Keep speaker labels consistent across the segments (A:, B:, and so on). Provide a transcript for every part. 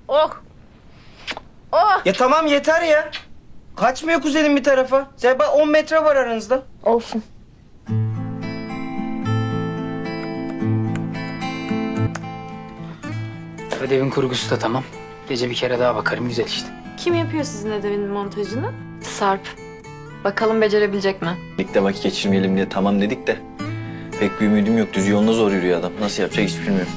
A: Oh. Oh.
B: Ya tamam yeter ya. Kaçmıyor kuzenim bir tarafa. Zeba 10 metre var aranızda.
A: Olsun.
C: Ödevin kurgusu da tamam. Gece bir kere daha bakarım, güzel işte.
D: Kim yapıyor sizin ödevin montajını?
E: Sarp. Bakalım becerebilecek mi?
F: Birlikte vakit geçirmeyelim diye tamam dedik de pek bir ümidim yok. Düz yolunda zor yürüyor adam. Nasıl yapacak hiç bilmiyorum.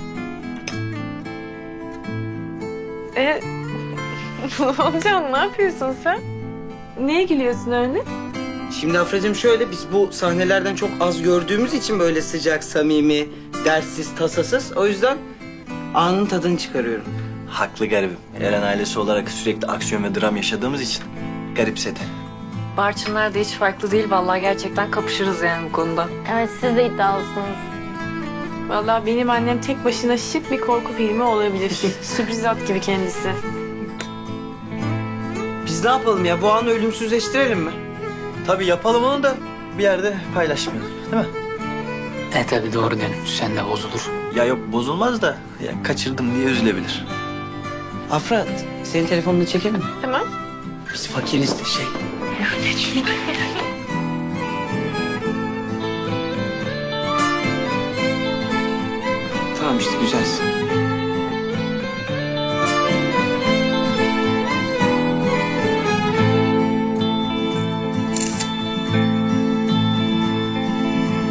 D: Olcan ne yapıyorsun sen? Neye gülüyorsun öyle?
B: Şimdi Afracığım şöyle, biz bu sahnelerden çok az gördüğümüz için böyle sıcak, samimi, derssiz, tasasız. O yüzden anın tadını çıkarıyorum.
F: Haklı garibim. Eren ailesi olarak sürekli aksiyon ve dram yaşadığımız için garipsedi.
E: Barçınlar da hiç farklı değil vallahi, gerçekten kapışırız yani bu konuda.
A: Evet, siz de iddialısınız.
D: Vallahi benim annem tek başına şık bir korku filmi olabilir. Sürpriz at gibi kendisi.
B: Biz ne yapalım ya? Bu anı ölümsüzleştirelim mi?
F: Tabii yapalım onu da bir yerde paylaşmayalım. Değil mi?
C: Tabii doğru dönüş. Sen de bozulur.
F: Ya yok bozulmaz da ya kaçırdım diye üzülebilir.
B: Afra, senin telefonunu çekelim mi?
D: Tamam.
B: Biz fakiriz de şey. Tamam işte güzelsin.